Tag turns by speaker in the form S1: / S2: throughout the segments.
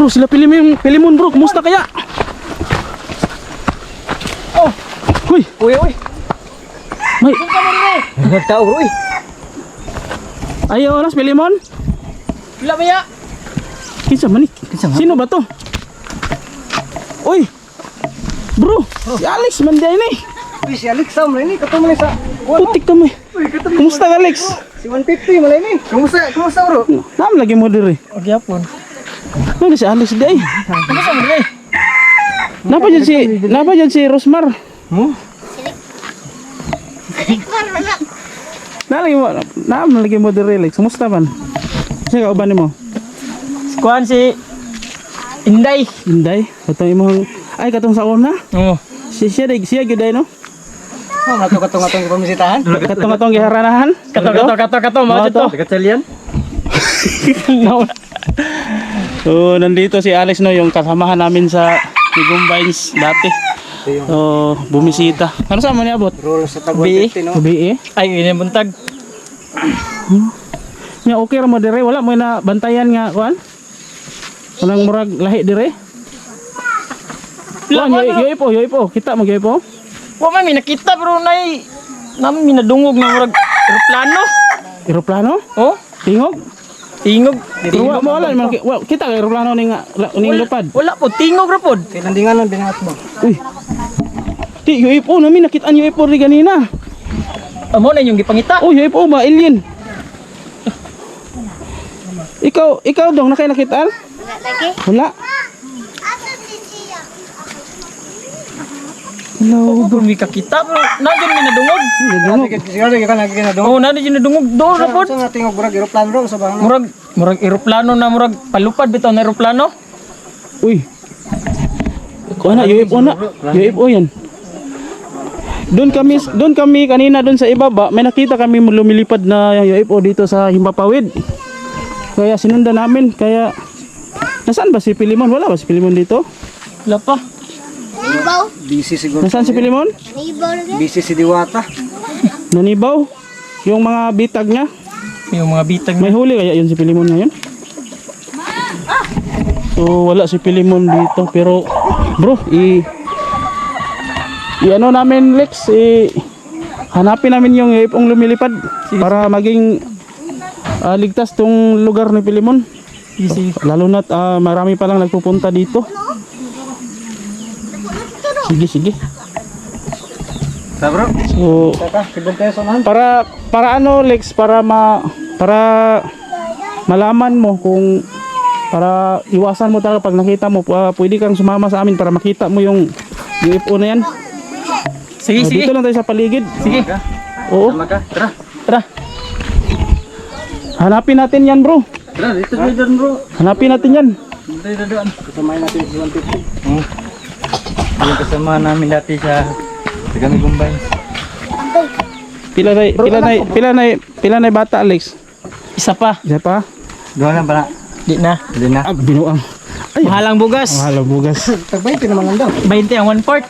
S1: Bro, sila Pilimon bro, kumusta kaya?
S2: Oh,
S1: Huy,
S2: uy, uy.
S1: may
S2: Nagtao, bro, uy.
S1: ayaw oras Pilimon?
S2: Wala ba ya?
S1: Kinsa man ni? Sino ba to? Uy! Bro, si Alex man di ni.
S2: Uy, si Alex Sam rin, katong man sa...
S1: Putik kami.
S2: Uy, katong
S1: Kumusta ka, Alex?
S2: Si 150 malay ni. Kumusta bro?
S1: Nam lagi mo diri.
S2: Okay, hapon.
S1: Ano si Alex di?
S2: Kumusta mo rin?
S1: Napa dyan si Rosmar?
S2: Mo?
S1: Lagi mo diri, Alex. Kumusta man? Siya ka uban mo?
S2: Kuhan si... Inday.
S1: Inday, katong imong ay katong sa una.
S2: Oo.
S1: Siya gyud ay no.
S2: Oh, katong pamisitahan.
S1: Katong giharanahan.
S2: Katong mo dito. Katalian.
S1: No. So, nandito si Alex no, yung kasamahan namin sa Gumbines dati. So, bumisita. Ano sa mo niabot?
S2: Roll sa tag
S1: Gabi
S2: 150 no.
S1: Gabi
S2: Ay, ini buntag.
S1: Nya okay ra mo dire, wala mo na bantayan nga kuan. Walang murag lahi dire. Yo ipo, kita mo po.
S2: Wa may nakita pero nay namin minadungog na murag eroplano.
S1: Eroplano?
S2: Oh,
S1: Tingog?
S2: tingog.
S1: Pero wala man kita ka eroplano ning lupad.
S2: Wala po, tingog ra pod. Kinandingan ng binat mo.
S1: Uy. Di UFO namin nakita ang UFO ri ganina.
S2: Amo na yung gipangita.
S1: Oh, UFO ba alien? Ikaw dong nakita?
S3: Lagi?
S1: Wala. Hello.
S2: Bro, mi kakita pero nandiyan minadungog.
S4: Siguro ka lagi kinadungog.
S2: Oh, nandiyan minadungog do ra pod.
S4: Sa nating murag eroplano ro sa bang.
S2: Murag eroplano na murag palupad bitaw na eroplano.
S1: Uy. Kuha na, UFO na. UFO yan. Doon kami kanina doon sa ibaba, may nakita kami lumilipad na UFO dito sa Himpapawid. Kaya sinundan namin, kaya nasaan ba si Pilimon? Wala ba si Pilimon dito?
S2: Wala pa.
S3: Nanibaw?
S4: Busy siguro.
S1: Nasaan si Pilimon?
S3: Nanibaw lagi?
S4: Busy si Diwata.
S1: Nanibaw. Yung mga bitag niya.
S2: Yung mga bitag
S1: May huli kaya yun si Pilimon ngayon? So wala si Pilimon dito, pero bro, ano namin Lex, hanapin namin yung UFO lumilipad para maging ligtas tong lugar ni Pilimon.
S2: easy.
S1: Lalo na't marami pa lang nagpupunta dito. Sige.
S4: Sa bro.
S1: So
S4: Saka kibon tayo sa man.
S1: para ano Lex, para malaman mo kung para iwasan mo talaga pag nakita mo, pwede kang sumama sa amin para makita mo yung UFO na yan.
S2: Sige, sige.
S1: Dito lang tayo sa paligid.
S2: Sige.
S1: Oo.
S4: Tama ka. Tara.
S2: Tara.
S1: Hanapin natin yan bro.
S4: Tara dito doon bro.
S1: Hanapin natin yan.
S4: Dito doon. Kasamahin natin si 150. Yung kasama namin dati sa Tagami Gumbay.
S1: Pila na bata Alex?
S2: Isa pa.
S1: Isa pa?
S4: Doon lang pala.
S2: Di na.
S4: Hindi na.
S1: Binuang. Ay,
S2: Mahalang bugas.
S1: mahal ang bugas.
S4: Tag 20 naman lang daw.
S2: 20 ang 1/4.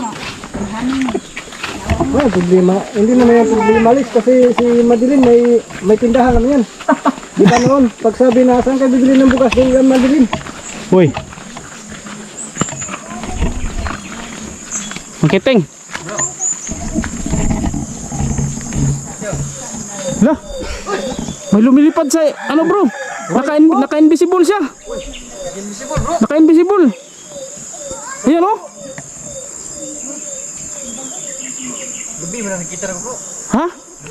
S4: Wala problema. Hindi naman yung problema Alex kasi si Madeline may tindahan naman yan. Di ba noon? Pag sabi na saan ka bibili ng bukas doon yan Madeline.
S1: Uy. Makiting. Lah. May lumilipad sa ano bro? Naka-invisible siya. Naka-invisible. Ayan oh.
S4: Gabi mo na nakita rin bro.
S1: Ha?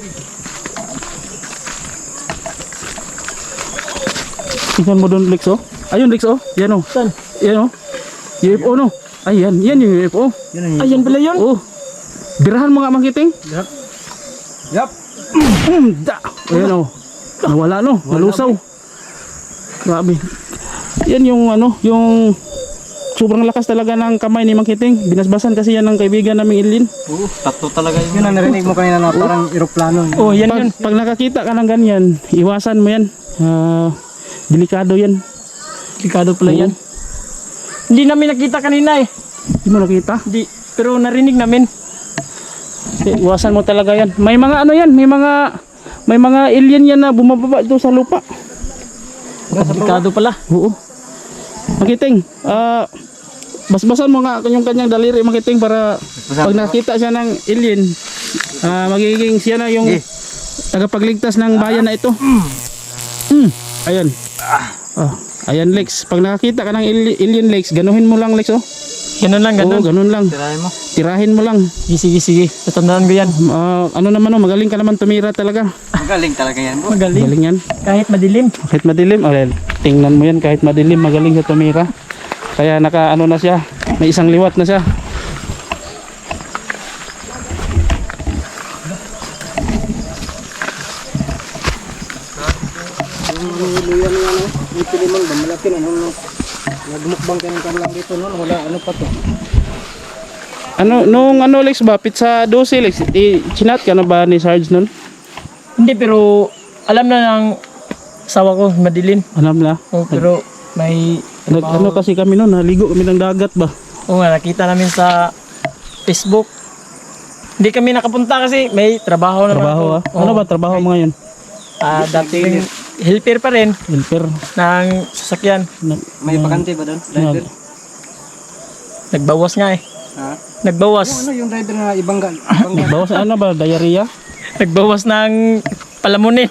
S1: Tingnan mo doon Lex oh. Ayun Lex oh. Yan oh.
S2: Saan?
S1: Yan oh. UFO no. Ayan, yan yung UFO.
S2: Ayan pala yun.
S1: Oh. Birahan mo nga Makiting.
S4: Yup.
S1: Da. Ayan oh. Nawala no. Nalusaw. Grabe. Yan yung ano, yung sobrang lakas talaga ng kamay ni Makiting. Binasbasan kasi yan ng kaibigan naming Ilin.
S4: Oo, tatlo talaga yun. Yun ang narinig mo kanina na parang eroplano.
S2: Oh, yan yun.
S1: Pag nakakita ka ng ganyan, iwasan mo yan. Delikado yan.
S2: Delikado pala yan. Hindi namin nakita kanina eh.
S1: Hindi mo nakita?
S2: Hindi. Pero narinig namin.
S1: Iwasan mo talaga yan. May mga ano yan, may mga alien yan na bumababa dito sa lupa.
S2: Delikado pala.
S1: Oo. Makiting, basbasan mo nga yung kanyang daliri, Makiting, para pag nakita siya ng alien, magiging siya na yung tagapagligtas ng bayan na ito. Ayan. Ayan, Lex. Pag nakakita ka ng alien, Lex, ganuhin mo lang, Lex, oh.
S2: Ganun lang, ganun.
S1: Oo, ganun lang.
S4: Tirahin mo.
S1: Tirahin mo lang.
S2: Sige. Tatandaan ko yan.
S1: Ano naman, oh, magaling ka naman tumira talaga.
S4: Magaling talaga yan, bro.
S2: Magaling.
S1: Magaling yan.
S2: Kahit madilim.
S1: Kahit madilim, tingnan mo yan, kahit madilim, magaling sa tumira. Kaya ano na siya, may isang liwat na siya.
S4: Luyan yan, oh. Yung Pilimon ba? Malaki na. Nagmukbang ka ng kanlang dito, no? Wala, ano pa to?
S1: Nung Lex ba, pizza 12, Lex, chinat ka na ba ni Sarge nun?
S2: Hindi, pero alam na ng asawa ko, madilim.
S1: Alam na.
S2: Oh, pero may...
S1: Ano kasi kami nun, naligo kami ng dagat ba?
S2: Oo nga, nakita namin sa Facebook. Hindi kami nakapunta kasi may trabaho naman.
S1: Trabaho
S2: ako.
S1: ah. Ano ba trabaho mo ngayon?
S2: Dating helper pa rin
S1: Helper.
S2: ng sasakyan.
S4: May bakante ba doon? Driver?
S2: Nagbawas nga eh.
S4: Ha?
S2: Nagbawas.
S4: Ano yung driver na ibanggan?
S1: Bawas ano ba, diarrhea?
S2: Nagbawas ng palamunin.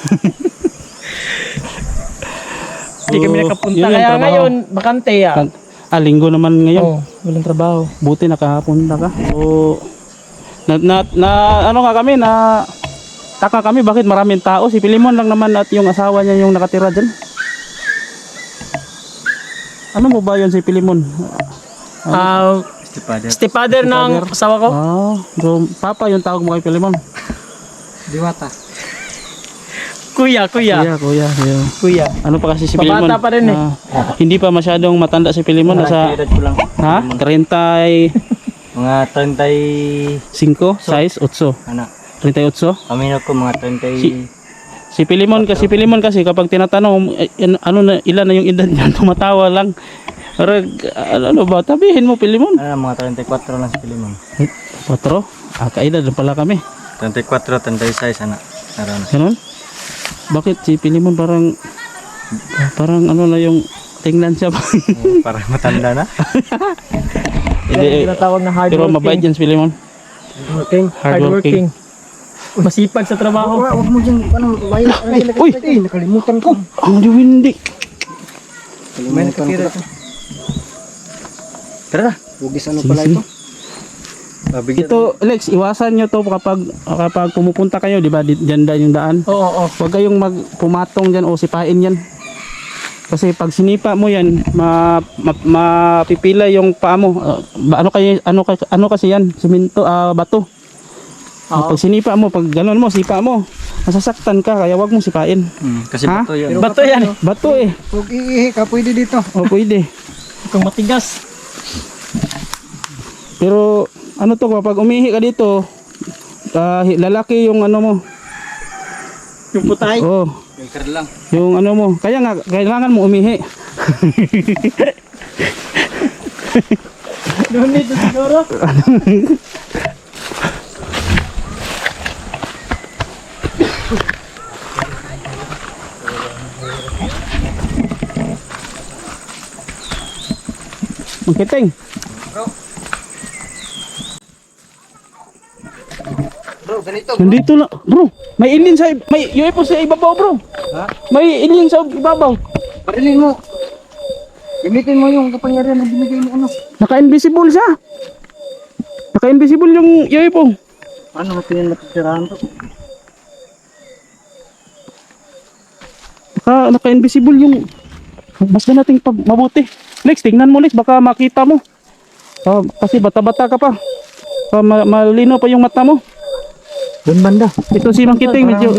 S2: Hindi kami nakapunta.
S1: yun yung
S2: Kaya
S1: trabaho.
S2: ngayon, bakante ah.
S1: Linggo naman ngayon.
S2: Oo, walang trabaho.
S1: Buti nakapunta ka. So, ano nga kami, taka kami bakit maraming tao. Si Pilimon lang naman at yung asawa niya yung nakatira dyan. Ano mo ba yun si Pilimon?
S2: Stepfather ng asawa ko.
S1: So papa yung tawag mo kay Pilimon.
S4: Diwata.
S2: Kuya.
S1: Kuya. Ano pa kasi si Pilimon?
S2: Babata pa rin eh.
S1: Hindi pa masyadong matanda si Pilimon. Nasa,
S4: Edad ko lang.
S1: 35,
S4: Mga 35.
S1: 6, 8.
S4: Ano?
S1: 38.
S4: Kami na ko mga 30.
S1: Si Pilimon kasi kapag tinatanong ano na ilan na yung edad niya, tumatawa lang. Pero ano ba, tabihin mo Pilimon.
S4: Mga 34 lang si Pilimon.
S1: 4? Kaedad na pala kami.
S4: 34, 36 anak.
S1: Ganun? Bakit si Pilimon parang ano na yung tingnan siya ba?
S4: Parang matanda na.
S1: Hindi,
S2: Tinatawag na
S1: pero
S2: hardworking.
S1: mabait yan si Pilimon.
S2: Hardworking. Masipag sa trabaho.
S4: Huwag mo dyan, bayan.
S1: Uy!
S4: Nakalimutan ko.
S1: Ang diwindi.
S4: May nakatira ito. Tara na. Hugis ano pala
S1: Sige.
S4: ito?
S1: Ito, Lex, iwasan nyo to kapag pumupunta kayo, di ba? Diyan yung daan.
S2: Oo.
S1: Huwag kayong pumatong dyan o sipain yan. Kasi pag sinipa mo yan, mapipila yung paa mo. Ano kasi yan? Simento, bato. Pag sinipa mo, pag gano'n mo, sipa mo, masasaktan ka, kaya wag mong sipain.
S4: Kasi
S1: Ha?
S4: bato yan.
S2: Bato yan eh.
S1: Bato eh.
S4: Huwag iihi ka, pwede dito.
S1: O pwede.
S2: Kung matigas.
S1: Pero ano to, kapag umihi ka dito, lalaki yung ano mo.
S2: Yung putay.
S1: Oh,
S4: Filter lang.
S1: yung ano mo. Kaya nga, kailangan mo umihi.
S2: Doon dito siguro.
S1: Magkiting.
S4: Bro, ganito.
S1: Nandito lang. Bro, may alien may UFO sa ibabaw, bro.
S4: Ha?
S1: May alien sa ibabaw.
S4: Parilin mo. Gamitin mo yung kapangyarihan na binigay mo ano.
S1: Naka-invisible siya. Naka-invisible yung UFO.
S4: Paano natin yung natitirahan to?
S1: Naka-invisible yung mas na nating mabuti. Lex, tingnan mo Lex, baka makita mo. Kasi bata-bata ka pa. Malino pa yung mata mo.
S4: Doon banda.
S1: Ito si Mang Kiting medyo.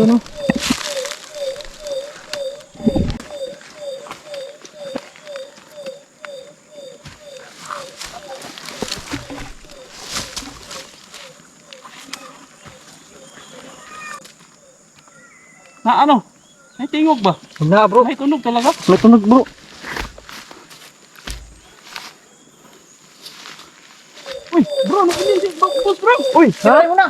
S1: Na ano? May tingog ba?
S4: Na bro.
S1: May tunog talaga?
S4: May tunog bro.
S1: Uy, bro, nakinig si boss bro.
S4: Uy! Saray mo na!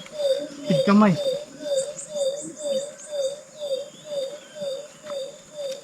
S4: Tig kamay.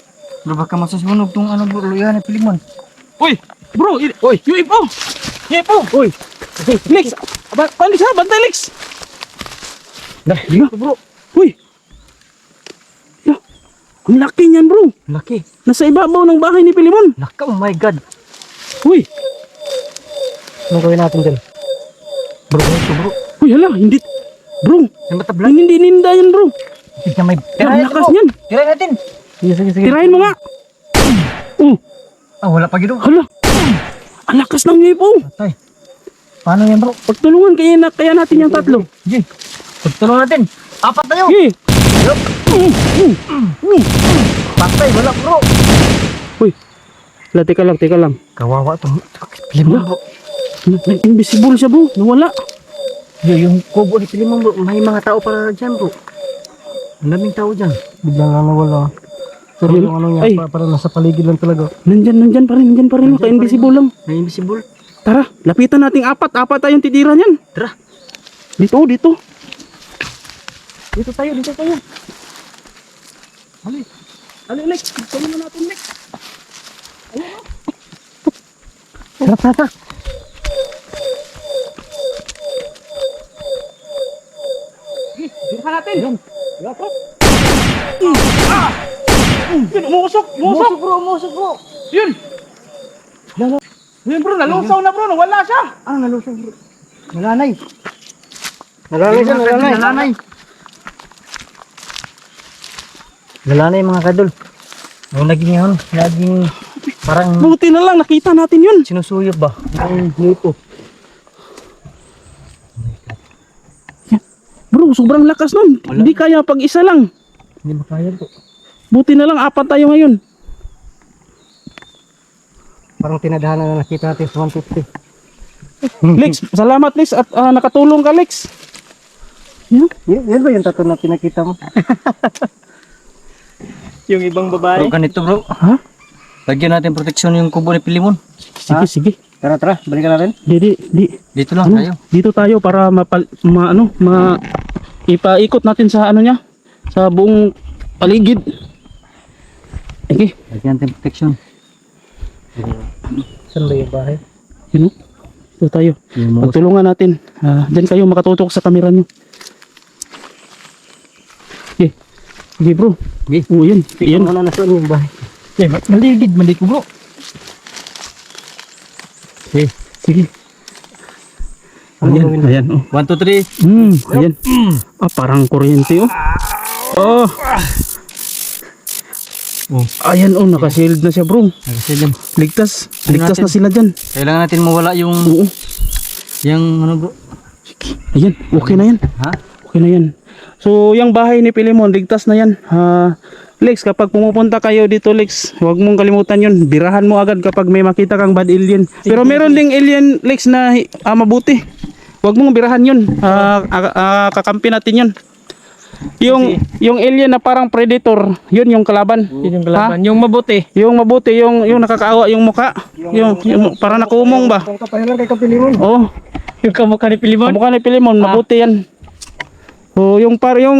S2: Bro, baka masasunog tong ano bro, luyan ni Pilimon.
S1: Uy, bro, uy, UFO. UFO. Uy. Lex, Lex ha, bantay Lex.
S2: Dah, bro.
S1: Uy. Ya, ang laki niyan bro.
S2: Laki.
S1: Nasa ibabaw ng bahay ni Pilimon.
S2: Laka, oh my god.
S1: Uy.
S4: Ano gawin natin dyan?
S2: Bro, ito bro.
S1: Uy, hala, hindi. Bro,
S2: Yung matablan.
S1: hindi ninda yan bro.
S2: Hindi may...
S1: Ang lakas niyan.
S2: Tirahin natin. Sige, sige, sige.
S1: Tirahin mo nga.
S2: Ah, wala pa gino.
S1: Hala. Ang lakas ng UFO.
S2: Patay. Paano yan bro?
S1: Pagtulungan kaya natin yung tatlo.
S2: Sige. Pagtulong natin. Apat tayo.
S1: Sige.
S2: Patay, wala bro.
S1: Uy. Hala, teka lang.
S2: Kawawa to. Pilimon bro.
S1: Invisible siya bro. Nawala.
S2: Yung kubo ni Pilimon bro, may mga tao para dyan bro. Ang daming tao dyan.
S4: Biglang nawala. Pero yung ano niya,
S1: Ay.
S4: parang nasa paligid lang talaga.
S1: Nandyan pa rin. Naka-invisible lang.
S2: May invisible.
S1: Tara, lapitan nating apat tayong titira niyan.
S2: Tara.
S1: Dito.
S2: Dito tayo.
S1: Ali, Lex. Tulungan natin, Lex.
S2: Tara.
S1: Tirahan natin. Yan. Yun, umusok.
S2: Umusok bro.
S1: Yun. Yun bro, nalusaw na bro. Nawala siya.
S2: Ah, nalusog bro. Nalanay.
S4: Nalanay.
S2: Nalanay mga kadol. Ang naging parang
S1: Buti na lang, nakita natin yun.
S2: sinusuyop ba?
S4: Ang dito.
S1: Bro, sobrang lakas nun. Hindi kaya pag isa lang.
S2: Hindi makaya bro.
S1: Buti na lang, apat tayo ngayon.
S4: Parang tinadhana na nakita natin sa 150.
S1: Lex, salamat Lex at nakatulong ka Lex.
S4: Yan ba yung tattoo na pinakita mo?
S2: Yung ibang babae. Bro, ganito bro.
S1: Ha?
S2: Lagyan natin proteksyon yung kubo ni Pilimon.
S1: Sige.
S4: Tara, balikan natin.
S1: Di.
S2: Dito lang tayo.
S1: Dito tayo para ipaikot natin sa ano niya, sa buong paligid. Okay.
S2: Lagyan natin proteksyon.
S4: Saan ba yung bahay?
S1: Yun, oh. Dito tayo. Pagtulungan natin. Diyan kayo makatutok sa kamera niyo. Okay bro.
S2: Okay.
S1: Oh, yan. Yan.
S4: Ano na saan yung bahay?
S2: Maligid ko bro. Okay.
S1: Sige. Ayan. Oh.
S2: 1, 2, 3.
S1: Ayan. Parang kuryente oh. Oh. Ayan oh, naka-shield na siya bro.
S2: Nakasilid.
S1: Ligtas
S2: natin.
S1: na sila dyan.
S2: Kailangan natin mawala yung
S1: Oo.
S2: ano bro.
S1: Ayan, okay na yan.
S2: Ha?
S1: Okay na yan. So, yung bahay ni Pilimon, ligtas na yan. Lex, kapag pumupunta kayo dito, Lex, huwag mong kalimutan yun. Birahan mo agad kapag may makita kang bad alien. Pero meron ding alien, Lex, na mabuti. Huwag mong birahan yun. Kakampi natin yun. Yung alien na parang predator, yun yung kalaban.
S2: Yun yung kalaban. Yung mabuti.
S1: Yung mabuti, yung nakakaawa yung muka. Yung parang nakumong ba?
S4: Ang kapahilan kay Kapilimon.
S1: Oh,
S2: Yung kamukha ni Pilimon.
S1: kamukha ni Pilimon, mabuti yan. So, yung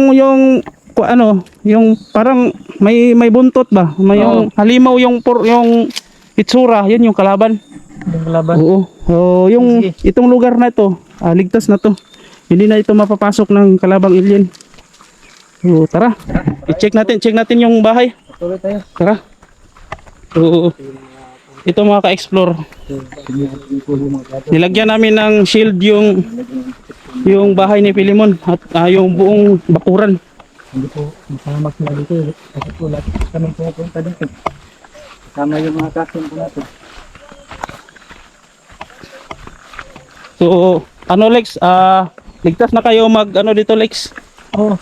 S1: parang may buntot ba? May yung halimaw yung itsura, yun yung kalaban.
S2: Yung kalaban.
S1: Oo. So, itong lugar na ito, ligtas na to. Hindi na ito mapapasok ng kalabang alien. So, tara. Check natin yung bahay.
S4: Tuloy tayo.
S1: Tara. So, ito mga ka-explore. Nilagyan namin ng shield yung bahay ni Pilimon at yung buong bakuran.
S4: Hindi po masamak na dito. Kasi po lahat kami pupunta dito. Tama yung mga kasin po natin.
S1: So, Lex, ligtas na kayo dito Lex.
S2: Oh.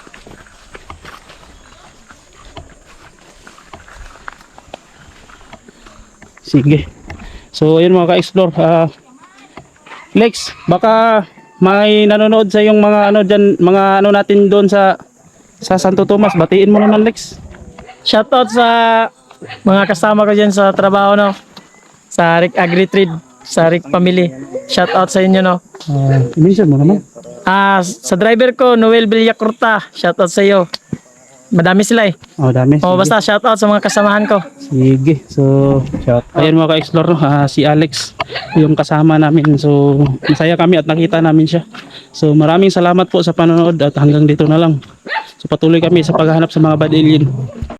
S1: Sige. So, ayun mga ka-explore. Lex, baka may nanonood sa yung mga natin doon sa Santo Tomas. Batiin mo naman, Lex.
S2: Shoutout sa mga kasama ko dyan sa trabaho, no? Sa Rick Agri-Trade, sa Rick Family. Shoutout sa inyo, no?
S1: Minsan mo naman.
S2: Sa driver ko, Noel Villacurta. Shoutout sa iyo. Madami sila eh.
S1: Oh, dami.
S2: Oh,
S1: Sige.
S2: basta shout out sa mga kasamahan ko.
S1: Sige. So, ayan mga ka-explore, no? Si Alex, yung kasama namin. So, masaya kami at nakita namin siya. So, maraming salamat po sa panonood at hanggang dito na lang. So, patuloy kami sa paghahanap sa mga bad alien.